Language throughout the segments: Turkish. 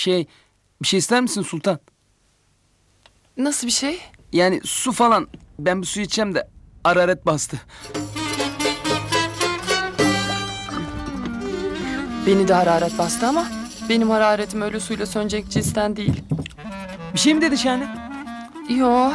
Bir şey ister misin Sultan? Nasıl bir şey? Yani su falan. Ben bir su içeceğim de hararet bastı. Beni de hararet bastı ama benim hararetim öyle suyla sönecek cinsten değil. Bir şey mi dedi Şahane? Yo.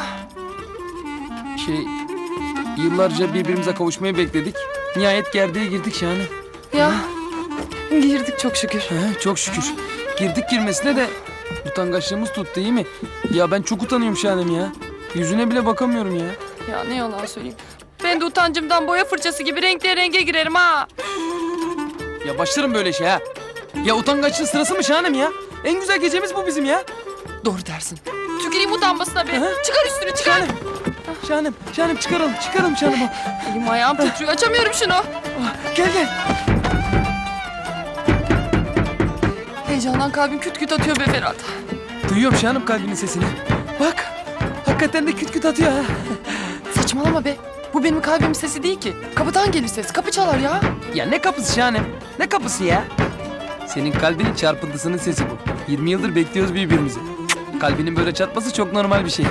Yıllarca birbirimize kavuşmayı bekledik. Nihayet gerdeğe girdik Şahane. Ya girdik çok şükür. Çok şükür. Girdik girmesine de utangaçlığımız tuttu değil mi? Ya ben çok utanıyorum Şahanem ya. Yüzüne bile bakamıyorum ya. Ya ne yalan söyleyeyim. Ben de utancımdan boya fırçası gibi renkli renge girerim ha. Ya başlarım böyle şey ha. Ya utangaçlığın sırası mı Şahanem ya? En güzel gecemiz bu bizim ya. Doğru dersin. Tüküreyim utanmasına be. Aha. Çıkar üstünü çıkar. Şahanem çıkaralım Şahanem. Elim ayağım titriyor açamıyorum şunu. Gel. Heyecandan kalbim küt küt atıyor be Ferhat. Duyuyorum Şahanem kalbinin sesini. Bak hakikaten de küt küt atıyor ha. Saçmalama be. Bu benim kalbimin sesi değil ki. Kapıdan gelir ses. Kapı çalar ya. Ya ne kapısı Şahanem? Ne kapısı ya? Senin kalbinin çarpıntısının sesi bu. 20 yıldır bekliyoruz birbirimizi. Kalbinin böyle çarpması çok normal bir şey.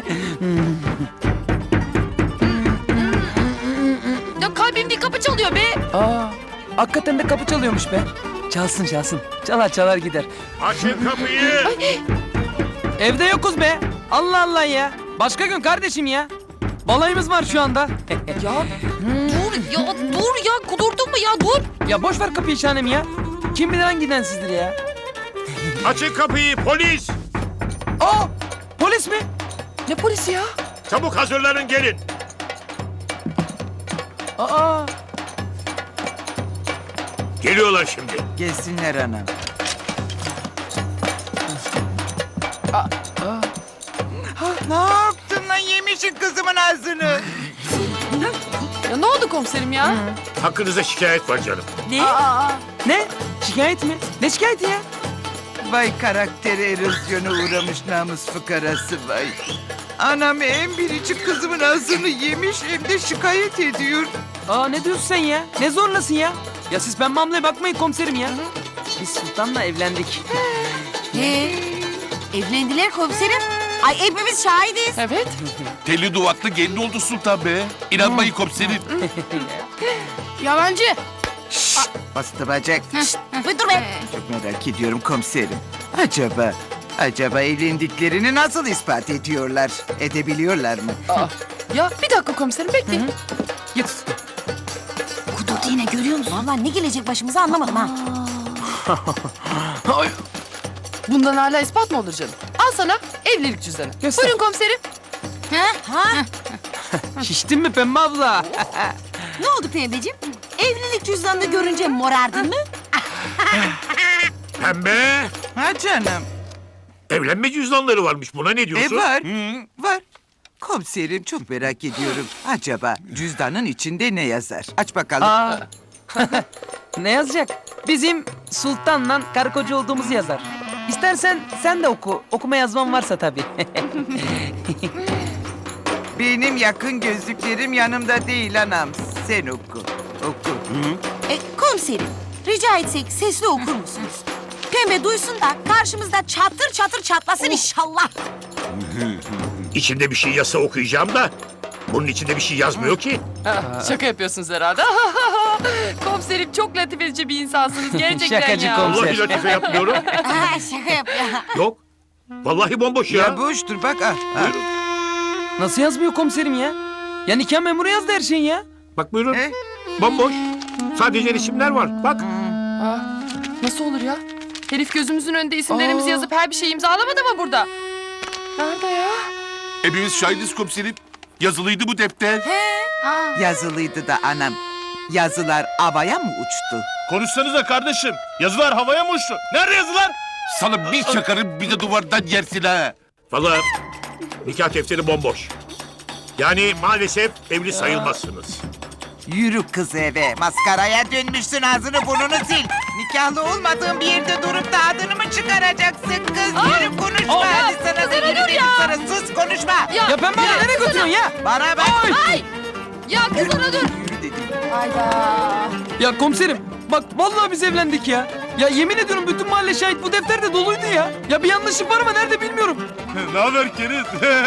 Ya kalbim değil kapı çalıyor be. Hakikaten de kapı çalıyormuş be. Çalsın. Çalar gider. Açın kapıyı. Evde yokuz be. Allah Allah ya. Başka gün kardeşim ya. Balayımız var şu anda. Dur ya kudurdun mu ya dur. Ya boş ver kapıyı Şahanem ya. Kim bilir hangi densizdir ya. Açın kapıyı polis. Polis mi? Ne polisi ya? Çabuk hazırlanın gelin. Geliyorlar şimdi. Gelsinler anam. Ne yaptın lan, yemişin kızımın ağzını. Ya ne oldu komiserim ya? Hakkınızda şikayet var canım. Ne? Şikayet mi? Ne şikayeti ya? Vay karakteri erozyona uğramış namus fıkarası vay. Anam en biricik kızımın ağzını yemiş hem de şikayet ediyor. Ne diyorsun sen ya? Ne zorlasın ya? Ya siz pembe hamleye bakmayın komiserim ya. Biz Sultan'la evlendik. Evlendiler komiserim. Ay hepimiz şahidiz. Evet. Telli duvaklı gelin oldu Sultan be. İnanmayın komiserim. Yalancı. Bastı bacak. Bir dur be. Çok merak ediyorum komiserim. Acaba evlendiklerini nasıl ispat ediyorlar? Edebiliyorlar mı? Ya bir dakika komiserim bekleyin. Git. Kudurdu yine görüyor musun? Vallahi ne gelecek başımıza anlamadım ha. Bundan hala ispat mı olur canım? Al sana evlilik cüzdanı. Göster. Buyurun komiserim. Ha? Şiştin mi pembe abla? Ne oldu pembeciğim? Evlilik cüzdanını görünce morardın mı? Pembe. Ha canım. Evlenme cüzdanları varmış. Buna ne diyorsun? Var. Komiserim çok merak ediyorum. Acaba cüzdanın içinde ne yazar? Aç bakalım. Ne yazacak? Bizim Sultan'la karı koca olduğumuzu yazar. İstersen sen de oku. Okuma yazman varsa tabii. Benim yakın gözlüklerim yanımda değil anam. Sen oku. Komiserim rica etsek sesli okur musunuz? Pembe duysun da karşımızda çatır çatır çatlasın inşallah. İçinde bir şey yazsa okuyacağım da. Bunun içinde bir şey yazmıyor ki. Şaka yapıyorsunuz herhalde. Komiserim çok latif edici bir insansınız gerçekten Şakacı ya. komiser. Vallahi latife yapmıyorum. Şaka yapıyor. Yok. Vallahi bomboş ya. Ya boştur bak. Buyurun. Nasıl yazmıyor komiserim ya? Ya nikah memuru yazdı her şeyin ya. Bak buyurun. He? Bomboş. Sadece resimler var. Bak. Nasıl olur ya? Herif gözümüzün önünde isimlerimizi yazıp her bir şeyi imzalamadı mı burada? Nerede ya? Hepimiz şahidiz komiserim. Yazılıydı bu defter. Yazılıydı da anam. Yazılar havaya mı uçtu? Konuşsanıza kardeşim. Yazılar havaya mı uçtu? Nerede yazılar? Sana bir çakarım bir de duvardan yersin ha. Vallahi nikah defteri bomboş. Yani maalesef evli sayılmazsınız. Yürü kız eve. Maskaraya dönmüşsün, ağzını burnunu sil. Nikahlı olmadığın bir yerde durup da adını mı çıkaracaksın kız? Yürü konuşma. Hadi sana da yürü dedim sana. Sus konuşma. Ya pembe abla nereye götürüyorsun ya? Bana bak. Ya kızana dur. Yürü dedim. Hayda. Ya komiserim bak vallahi biz evlendik ya. Ya yemin ediyorum bütün mahalle şahit, bu defter de doluydu ya. Ya bir yanlışım var ama nerede bilmiyorum. Ne haber Keriz?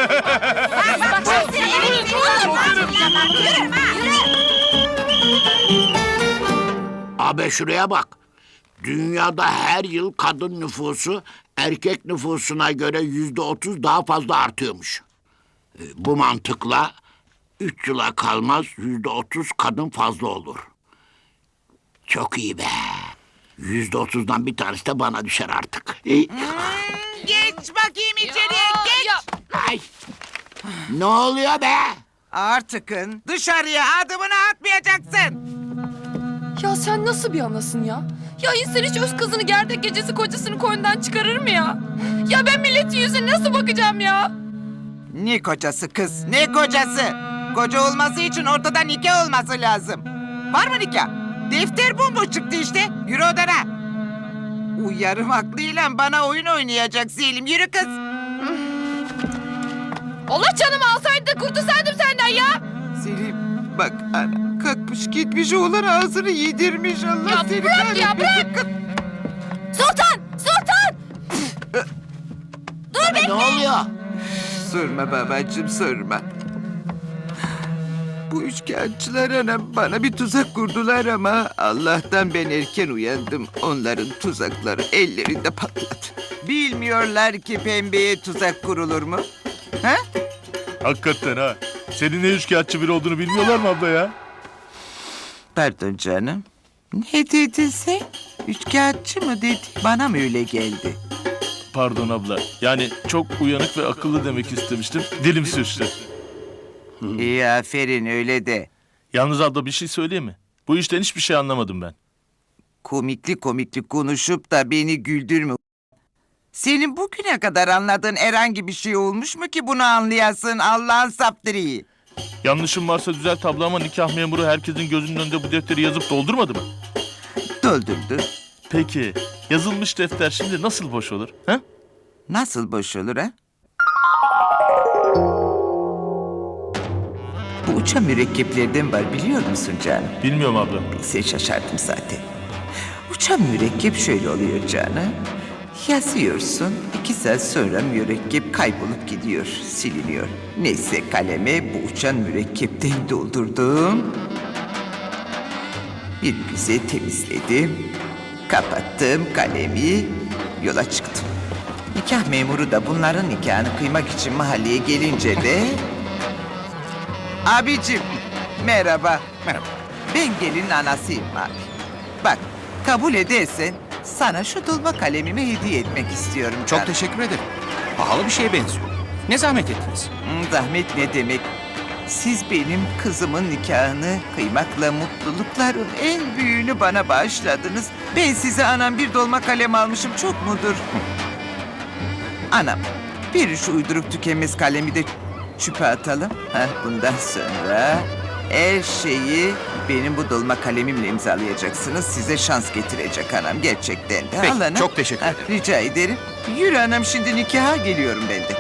Abi şuraya bak. Dünyada her yıl kadın nüfusu erkek nüfusuna göre %30 daha fazla artıyormuş. Bu mantıkla 3 yıla kalmaz %30 kadın fazla olur. Çok iyi be. %30'dan bir tanesi de bana düşer artık. Geç bakayım içeriye geç. Ay. Ne oluyor be? Artıkın dışarıya adımını atmayacaksın. Ya sen nasıl bir anasın ya? Ya insan hiç öz kızını gerdek gecesi kocasını koynundan çıkarır mı ya? Ya ben milletin yüzüne nasıl bakacağım ya? Ne kocası kız ne kocası? Koca olması için ortada nikah olması lazım. Var mı nikah? Defter bomboş çıktı işte. Yürü odana. Uyarım aklıyla bana oyun oynayacak Selim. Yürü kız. Allah canımı alsaydı da kurtulsaydım senden ya. Selim bak ana kalkmış gitmiş oğlan ağzını yedirmiş Allah Ya seni bırak ya, kahretmesin kız. Sultan! Sultan! Ne oluyor? Sorma babacığım sorma. Bu üçkağıtçılar anam bana bir tuzak kurdular ama Allah'tan ben erken uyandım. Onların tuzakları ellerinde patladı. Bilmiyorlar ki pembeye tuzak kurulur mu? Ha? Hakikaten ha. Senin ne üçkağıtçı biri olduğunu bilmiyorlar mı abla ya? Pardon canım. Ne dedin sen? Üçkağıtçı mı dedi? Bana mı öyle geldi? Pardon abla. Yani çok uyanık ve akıllı demek istemiştim. Dilim sürçtü. İyi aferin öyle de. Yalnız abla bir şey söyleyeyim mi? Bu işten hiçbir şey anlamadım ben. Komikli konuşup da beni güldürme. Senin bugüne kadar anladığın herhangi bir şey olmuş mu ki bunu anlayasın Allah'ın saptırıyı? Yanlışım varsa düzelt abla ama nikah memuru herkesin gözünün önünde bu defteri yazıp doldurmadı mı? Doldurdu. Peki yazılmış defter şimdi nasıl boş olur? Ha? Nasıl boş olur ha? Bu uçan mürekkeplerden var biliyor musun canım? Bilmiyorum abla. Sen şaşardım zaten. Uçan mürekkep şöyle oluyor canım. Yazıyorsun, 2 saat sonra mürekkep kaybolup gidiyor, siliniyor. Neyse kaleme bu uçan mürekkepten doldurdum. Bir güzel temizledim. Kapattım kalemi, yola çıktım. Nikah memuru da bunların nikahını kıymak için mahalleye gelince de... Abicim, merhaba. Merhaba. Ben gelinin anasıyım abi. Bak, kabul edersen sana şu dolma kalemimi hediye etmek istiyorum. Çok canım. teşekkür ederim. Pahalı bir şeye benziyor. Ne zahmet ettiniz? Zahmet ne demek? Siz benim kızımın nikahını kıymakla mutlulukların en büyüğünü bana bağışladınız. Ben size anam bir dolma kalem almışım çok mudur? Anam, bir şu uyduruk tükenmez kalemi de çöpe atalım. Bundan sonra her şeyi benim bu dolma kalemimle imzalayacaksınız. Size şans getirecek anam gerçekten de. Peki, Al anam. çok teşekkür ederim. Rica ederim. Yürü anam şimdi nikaha geliyorum ben de.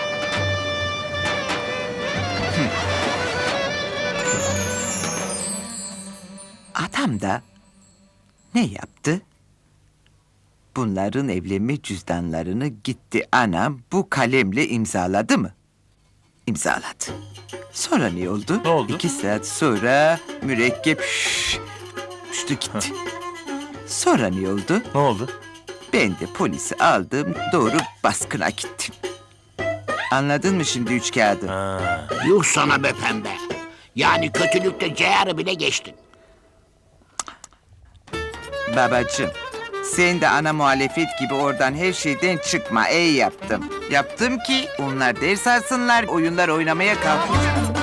Adam da ne yaptı? Bunların evlenme cüzdanlarını gitti anam bu kalemle imzaladı mı? İmzaladı. Sonra ne oldu? Ne oldu? 2 saat sonra mürekkep uçtu gitti. Sonra ne oldu? Ne oldu? Ben de polisi aldım doğru baskına gittim. Anladın mı şimdi üç kağıdı? Yuh sana be pembe. Yani kötülükte ceyarı bile geçtin. Babacığım, sen de ana muhalefet gibi oradan her şeyden çıkma. Yaptım. Yaptım ki onlar ders alsınlar, oyunlar oynamaya kalkınca...